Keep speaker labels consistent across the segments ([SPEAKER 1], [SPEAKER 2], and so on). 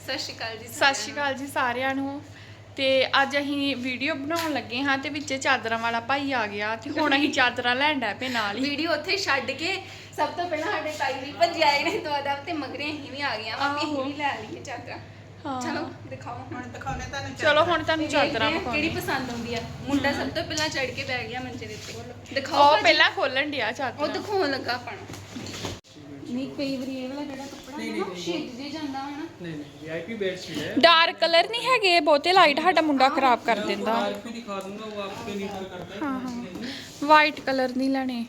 [SPEAKER 1] ਸਤਿ ਸ਼੍ਰੀ ਅਕਾਲ ਜੀ।
[SPEAKER 2] ਸਤਿ ਸ਼੍ਰੀ ਅਕਾਲ ਜੀ ਸਾਰਿਆਂ ਨੂੰ। ਤੇ ਅੱਜ ਅਸੀਂ ਵੀਡੀਓ ਬਣਾਉਣ ਲੱਗੇ ਹਾਂ ਤੇ ਵਿੱਚ ਚਾਦਰਾਂ ਵਾਲਾ ਭਾਈ ਆ ਗਿਆ ਤੇ ਹੁਣ ਅਸੀਂ ਚਾਦਰਾਂ ਲੈਣ ਡੈ ਪਏ ਨਾਲ ਹੀ।
[SPEAKER 1] ਵੀਡੀਓ ਉੱਥੇ ਛੱਡ ਕੇ ਸਭ ਤੋਂ ਪਹਿਲਾਂ ਸਾਡੇ ਤਾਈ ਵੀ ਭੱਜ ਆਏ ਨੇ ਦੁਆਰਾ ਤੇ ਮਗਰੇ ਅਸੀਂ ਵੀ ਆ ਗਈਆਂ ਵਾ ਅਸੀਂ ਵੀ ਲੈ ਲਈਏ ਚਾਦਰਾਂ। ਚਲੋ ਦਿਖਾਓ ਹੁਣ ਦਿਖਾਉਣੇ ਤੁਹਾਨੂੰ।
[SPEAKER 2] ਚਲੋ ਹੁਣ ਤੁਹਾਨੂੰ ਚਾਦਰਾਂ ਵਿਖਾਉਣੇ
[SPEAKER 1] ਕਿਹੜੀ ਪਸੰਦ ਆਉਂਦੀ ਆ। ਮੁੰਡਾ ਸਭ ਤੋਂ ਪਹਿਲਾਂ ਚੜ ਕੇ ਬੈਠ ਗਿਆ ਮੰਜੇ ਦੇ ਉੱਤੇ। ਦਿਖਾਓ
[SPEAKER 2] ਉਹ ਪਹਿਲਾਂ ਖੋਲਣ ਡਿਆ ਚਾਦਰਾਂ।
[SPEAKER 1] ਉਹ ਦਿਖਾਉਣ ਲੱਗਾ ਆਪਾਂ ਨਹੀਂ ਕਈ ਵਾਰੀ ਇਹ ਵਾਲਾ ਜਿਹੜਾ ਕੱਪੜਾ ਹੈ ਨਾ ਛਿੱਜ ਜੇ ਜਾਂਦਾ ਹੈ ਨਾ।
[SPEAKER 3] नहीं वीआईपी बेडशीट है।
[SPEAKER 2] ਡਾਰਕ ਕਲਰ ਨਹੀਂ ਹੈਗੇ ਬਹੁਤੇ, ਲਾਈਟ ਸਾਡਾ ਮੁੰਡਾ ਖਰਾਬ ਕਰ ਦਿੰਦਾ।
[SPEAKER 3] डार्क भी दिखा दूंगा वो आप पे निर्भर करता है।
[SPEAKER 2] ਹਾਂ ਹਾਂ ਵਾਈਟ ਕਲਰ ਨਹੀਂ ਲੈਣੇ,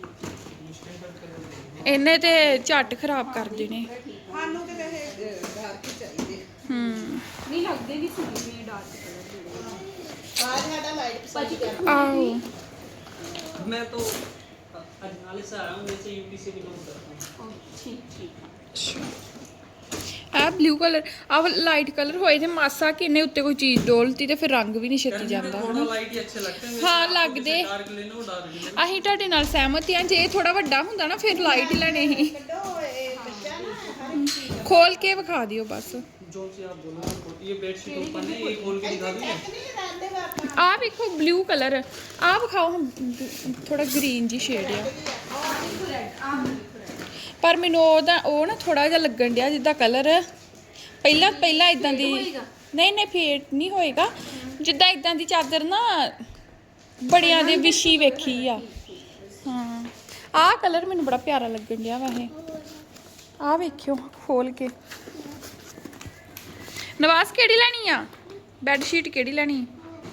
[SPEAKER 2] ਇਹਨੇ ਤੇ ਝੱਟ ਖਰਾਬ ਕਰ ਦੇਣੇ।
[SPEAKER 4] ਸਾਨੂੰ ਤੇ ਵੈਸੇ ਡਾਰਕ ਹੀ ਚਾਹੀਦੇ।
[SPEAKER 1] ਨਹੀਂ ਲੱਗਦੇ ਵੀ ਸੋਹਣੇ ਨੇ ਡਾਰਕ ਕਲਰ
[SPEAKER 4] ਆਹ ਸਾਡਾ ਲਾਈਟ ਪਸੰਦ ਕਰਦਾ।
[SPEAKER 2] ਆਹੋ
[SPEAKER 3] मैं तो अजनाले से आया हूँ, वैसे यूपी से बिलोंग करता हूँ।
[SPEAKER 1] ਠੀਕ ਠੀਕ
[SPEAKER 2] ਆ ਬਲੂ ਕਲਰ ਆ ਲਾਈਟ ਕਲਰ ਹੋਏ ਤੇ ਮਾਸਾ ਕਿੰਨੇ ਉੱਤੇ ਕੋਈ ਚੀਜ਼ ਡੋਲਤੀ ਤੇ ਫਿਰ ਰੰਗ ਵੀ ਨਹੀਂ ਛੇਤੀ ਜਾਂਦਾ।
[SPEAKER 3] थोड़ा लाइट ही अच्छे लगते हैं।
[SPEAKER 2] ਹਾਂ ਲੱਗਦੇ।
[SPEAKER 3] डार्क लेना हो डार्क ले लो।
[SPEAKER 2] ਅਸੀਂ ਤੁਹਾਡੇ ਨਾਲ ਸਹਿਮਤ ਹਾਂ, ਜੇ ਥੋੜਾ ਵੱਡਾ ਹੁੰਦਾ ਨਾ ਫਿਰ ਲਾਈਟ ਹੀ ਲੈਣੇ ਸੀ।
[SPEAKER 4] ਕੱਢੋ ਇਹ ਬੱਚਾ ਨਾ ਹਰ ਇੱਕ ਚੀਜ਼
[SPEAKER 2] ਖੋਲ ਕੇ ਵਿਖਾ ਦਿਓ ਬਸ।
[SPEAKER 3] जो सी आप बोलो। ये बेडशीट ओपन है, ये खोल के दिखा दूँ।
[SPEAKER 4] ਨਹੀਂ ਲਗਾਉਂਦੇ ਵਾ ਆਪਾਂ।
[SPEAKER 2] ਆ ਵੇਖੋ ਬਲੂ ਕਲਰ, ਆ ਵਿਖਾਓ ਥੋੜਾ ਗ੍ਰੀਨ ਜੀ ਸ਼ੇਡ ਆ, ਪਰ ਮੈਨੂੰ ਉਹ ਨਾ ਥੋੜਾ ਜਿਹਾ ਲੱਗਣ ਡਿਆ ਜਿੱਦਾਂ ਕਲਰ ਪਹਿਲਾਂ ਇਦਾਂ ਦੀ ਨਹੀਂ ਫੇਡ ਨਹੀਂ ਹੋਏਗਾ, ਜਿੱਦਾਂ ਇਦਾਂ ਦੀ ਚਾਦਰ ਨਾ ਬੜਿਆਂ ਦੇ ਵਿਛੀ ਵੇਖੀ ਆ। ਹਾਂ ਆਹ ਕਲਰ ਮੈਨੂੰ ਬੜਾ ਪਿਆਰਾ ਲੱਗਣ ਡਿਆ ਵੈਸੇ। ਆਹ ਵੇਖਿਓ ਖੋਲ ਕੇ। ਨਵਾਜ਼ ਕਿਹੜੀ ਲੈਣੀ ਆ ਬੈੱਡ ਸ਼ੀਟ, ਕਿਹੜੀ ਲੈਣੀ?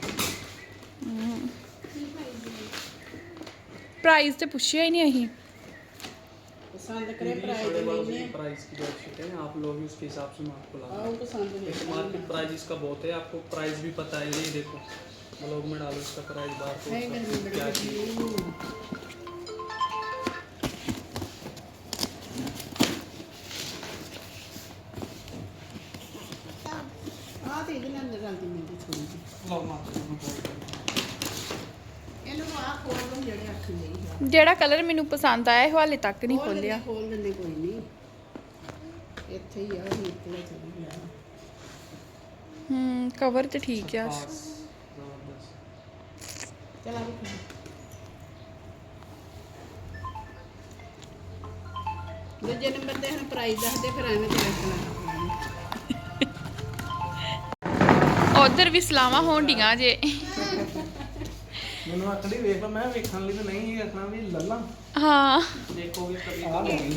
[SPEAKER 2] प्राइस तो पूछा ही नहीं अही।
[SPEAKER 4] ਪਸੰਦ ਕਰੇ ਪ੍ਰਾਈਸ ਦੇ ਲੈਣੇ
[SPEAKER 3] प्राइस की बेडशीट है, आप लोग उसके हिसाब से मैं आपको ला
[SPEAKER 4] ਆਹ ਪਸੰਦ ਨਹੀਂ।
[SPEAKER 3] मार्केट प्राइस इसका बहुत है, आपको प्राइस भी पता है। ये देखो ब्लॉग में डालो इसका प्राइस बाहर तो
[SPEAKER 4] ਨਹੀਂ ਗਰਮੀ ਬੜੀ
[SPEAKER 3] क्या
[SPEAKER 4] ਲੱਗੀ। ਆਹ ਤੇ ਇਹਦੇ ਨਾਲ ਗੱਲ ਦੀ ਮਿਲਦੀ ਥੋੜੀ ਜਿਹੀ।
[SPEAKER 3] लो मात्र
[SPEAKER 4] ਇਹਨੂੰ ਆਹ ਖੋਲ ਦੋ ਜਿਹੜੇ ਅੱਖ ਲਈ।
[SPEAKER 2] ਜਿਹੜਾ ਕਲਰ ਮੈਨੂੰ ਪਸੰਦ ਆਇਆ ਇਹ ਹਾਲੇ ਤੱਕ ਨਹੀਂ ਖੋਲਿਆ।
[SPEAKER 4] ਖੋਲ ਦਿੰਦੇ ਕੋਈ ਨਹੀਂ। ਇੱਥੇ ਹੀ ਆ ਇਹ ਇੱਥੇ ਚਲੀ ਗਿਆ।
[SPEAKER 2] ਕਵਰ ਤੇ ਠੀਕ ਆ।
[SPEAKER 4] ਚਲ ਆ ਵੀ ਦੂਜੇ ਨੰਬਰ ਤੇ ਹੁਣ ਪ੍ਰਾਈਸ ਦੱਸਦੇ ਫਿਰ ਐਵੇਂ ਤੇ ਰੱਖਣਾ।
[SPEAKER 2] ਉਧਰ ਵੀ ਸਲਾਵਾਂ ਹੋਣ ਡੀਆਂ ਜੇ।
[SPEAKER 5] ਮੈਨੂੰ ਆਖੜੀ ਵੇਖ ਲਾ, ਮੈਂ ਵੇਖਣ ਲਈ ਤਾਂ ਨਹੀਂ ਇਹ ਆਖਣਾ ਵੀ ਲੱਲਾ
[SPEAKER 2] ਹਾਂ
[SPEAKER 3] देखोगे कभी
[SPEAKER 5] ਆ ਲੈਣੀ।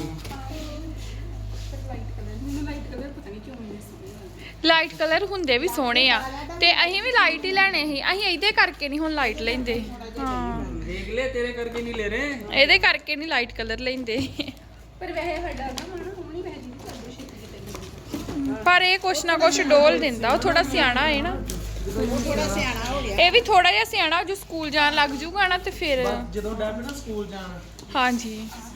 [SPEAKER 2] ਲਾਈਟ ਕਲਰ ਹੁੰਦੇ ਵੀ ਸੋਹਣੇ ਆ ਤੇ ਅਸੀਂ ਵੀ ਲਾਈਟ ਹੀ ਲੈਣੇ ਸੀ। ਅਸੀਂ ਇਹਦੇ ਕਰਕੇ ਨਹੀਂ ਹੁਣ ਲਾਈਟ ਲੈਂਦੇ। ਹਾਂ
[SPEAKER 3] देख ले, तेरे करके नहीं ले रहे।
[SPEAKER 2] ਇਹਦੇ ਕਰਕੇ ਨਹੀਂ ਲਾਈਟ ਕਲਰ ਲੈਂਦੇ।
[SPEAKER 1] ਪਰ ਵੈਸੇ ਸਾਡਾ ਨਾ ਮਨ ਹੋਣੀ ਵੈਸੇ ਨਹੀਂ ਕਰਦੇ ਛੇਤੀ
[SPEAKER 2] ਪਰ ਇਹ ਕੁਛ ਨਾ ਕੁਛ ਡੋਲ ਦਿੰਦਾ, ਉਹ ਥੋੜਾ ਸਿਆਣਾ ਹੈ ਨਾ।
[SPEAKER 4] ਥੋੜਾ ਸਿਆਣਾ ਹੋ ਗਿਆ।
[SPEAKER 2] ਇਹ ਵੀ ਥੋੜਾ ਜਿਹਾ ਸਿਆਣਾ, ਜੋ ਸਕੂਲ ਜਾਣ ਲੱਗ ਜੂਗਾ ਨਾ ਤੇ ਫਿਰ
[SPEAKER 5] ਜਦੋਂ ਡੈਬੀ ਨਾ ਸਕੂਲ ਜਾਣਾ
[SPEAKER 2] ਹਾਂਜੀ।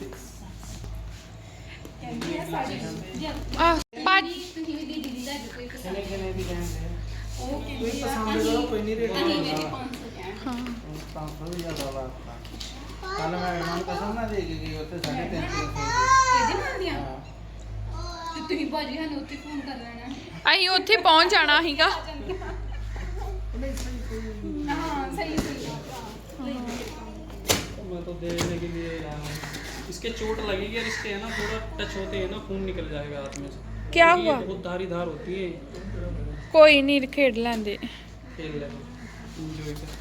[SPEAKER 2] ਆ ਭਾਜੀ
[SPEAKER 1] ਤੁਸੀਂ ਵੀ ਦੀਦੀ ਦਾ ਕੋਈ
[SPEAKER 5] ਕਿਨੇ ਕਿਨੇ ਵੀ ਜਾਂਦੇ
[SPEAKER 1] ਉਹ
[SPEAKER 5] ਕੋਈ ਪਸੰਦ ਕਰੋ, ਕੋਈ ਨਹੀਂ ਰੇਟ
[SPEAKER 1] ਨਹੀਂ ਮੇਰੀ
[SPEAKER 5] ਲੈਂਦਾ।
[SPEAKER 1] 500 ਕਹਿਣ
[SPEAKER 2] ਹਾਂ
[SPEAKER 5] ਤਾਂ ਤੋਂ ਜ਼ਿਆਦਾ ਵਾ। ਕੱਲ ਮੈਂ ਇਹਨਾਂ ਨੂੰ ਕਸਮ ਨਾ ਦੇ ਕੇ ਗਈ ਉੱਥੇ 350
[SPEAKER 1] ਇਹਦੇ ਨਾਲ ਦੀਆਂ
[SPEAKER 5] ਹਾਂ।
[SPEAKER 1] ਤੇ ਤੁਸੀਂ ਭਾਜੀ ਸਾਨੂੰ ਉੱਥੇ ਫੋਨ ਕਰ ਲੈਣਾ।
[SPEAKER 2] ਅਸੀਂ ਉੱਥੇ ਪਹੁੰਚ ਜਾਣਾ ਸੀਗਾ।
[SPEAKER 1] ਹਾਂ ਸਹੀ
[SPEAKER 3] मैं तो देने के लिए आया हूँ। इसके चोट लगेगी और इसके है ना थोड़ा टच होते हैं ना खून निकल जाएगा हाथ में से।
[SPEAKER 2] क्या
[SPEAKER 3] ये
[SPEAKER 2] हुआ?
[SPEAKER 3] बहुत धारी धार होती है।
[SPEAKER 2] ਕੋਈ ਨਹੀਂ ਖੇਡ ਲੈਂਦੇ।
[SPEAKER 3] खेल ले एंजॉय कर।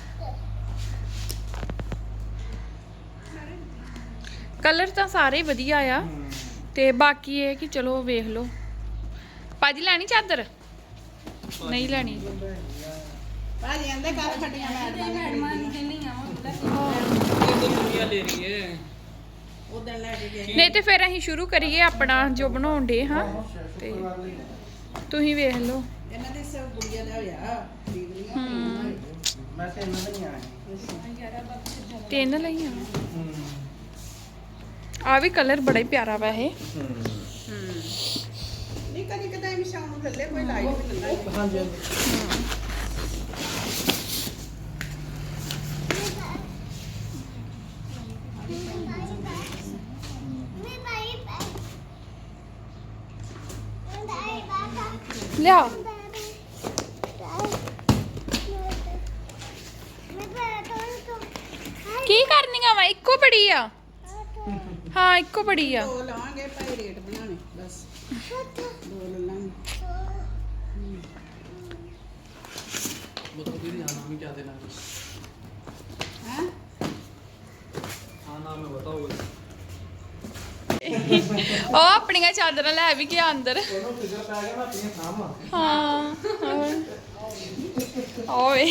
[SPEAKER 2] ਕਲਰ ਤਾਂ ਸਾਰੇ ਵਧੀਆ ਆ ਤੇ ਬਾਕੀ ਇਹ ਕਿ ਚਲੋ ਵੇਖ ਲਓ। ਭਾਜੀ ਲੈਣੀ ਚਾਦਰ? ਨਹੀਂ ਲੈਣੀ।
[SPEAKER 4] ਭਾਜੀ ਆਂਦੇ ਕੱਲ ਫਟੀਆਂ
[SPEAKER 1] ਮੈਡਮਾਂ ਨੂੰ ਕਹਿੰਦੀ ਆ
[SPEAKER 3] ये तो दुनिया ले रही है।
[SPEAKER 4] ਉਧਰ ਲੈ ਕੇ ਗਏ।
[SPEAKER 2] ਨਹੀਂ ਤੇ ਫਿਰ ਅਸੀਂ ਸ਼ੁਰੂ ਕਰੀਏ ਆਪਣਾ ਜੋ ਬਣਾਉਣ ਦੇ ਹਾਂ ਤੇ ਤੁਸੀਂ ਵੇਖ ਲਓ।
[SPEAKER 4] ਇਹਨਾਂ ਦੇ ਸਭ ਗੁੜੀਆਂ ਦਾ ਹੋਇਆ ਖਰੀਦ ਲਿਆ।
[SPEAKER 5] ਮੈਂ ਤੇ ਇਹਨਾਂ ਦਾ ਨਹੀਂ ਆਇਆ।
[SPEAKER 2] ਤਿੰਨ ਲਈਆਂ। ਆ ਵੀ ਕਲਰ ਬੜਾ ਹੀ ਪਿਆਰਾ ਵਾ ਇਹ।
[SPEAKER 4] ਨਹੀਂ ਕਦੀ ਕਦਾਈ ਵੀ ਸ਼ਾਮ ਨੂੰ ਲੱਲੇ ਕੋਈ ਲਾਈਟ ਵੀ ਲੱਗਾ।
[SPEAKER 5] ਹਾਂਜੀ ਹਾਂਜੀ।
[SPEAKER 6] Bye.
[SPEAKER 2] ਲਿਆ ਕੀ ਕਰਨੀਆਂ ਵਾ ਇੱਕੋ ਬੜੀ ਆ ਹਾਂ ਇੱਕੋ ਬੜੀ ਆ
[SPEAKER 4] ਦੋ ਲਾਵਾਂਗੇ ਭਾਈ ਰੇਟ ਬਣਾਣੇ ਬਸ ਦੋ ਲੈ ਲਾਂਗੇ
[SPEAKER 3] बताओ दीदी हाँ नाम ही क्या देना है
[SPEAKER 4] ਹੈ
[SPEAKER 3] हाँ नाम है बताओ
[SPEAKER 2] ਉਹ ਆਪਣੀਆਂ ਚਾਦਰਾਂ ਲੈ ਵੀ ਗਿਆ ਅੰਦਰ
[SPEAKER 5] ਉਹਨੂੰ ਫਿਕਰ ਪੈ ਗਿਆ ਮੈਂ ਆਪਣੀਆਂ ਸਾਂਭਾਂ
[SPEAKER 2] ਹਾਂ ਓਏ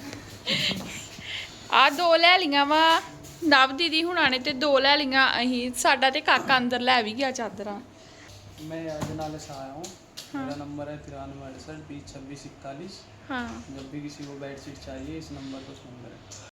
[SPEAKER 2] ਆ ਦੋ ਲੈ ਲੀਆਂ ਵਾ ਨਵ ਦੀਦੀ ਹੁਣਾਂ ਨੇ ਤੇ ਦੋ ਲੈ ਲੀਆਂ ਅਸੀਂ ਸਾਡਾ ਤੇ ਕਾਕਾ ਅੰਦਰ ਲੈ ਵੀ ਗਿਆ ਚਾਦਰਾਂ
[SPEAKER 3] मैं अजनाले से आया हूँ मेरा नंबर है 93 68 20 26 41
[SPEAKER 2] ਹਾਂ
[SPEAKER 3] जब भी किसी को बेडशीट चाहिए इस नंबर पर फ़ोन करें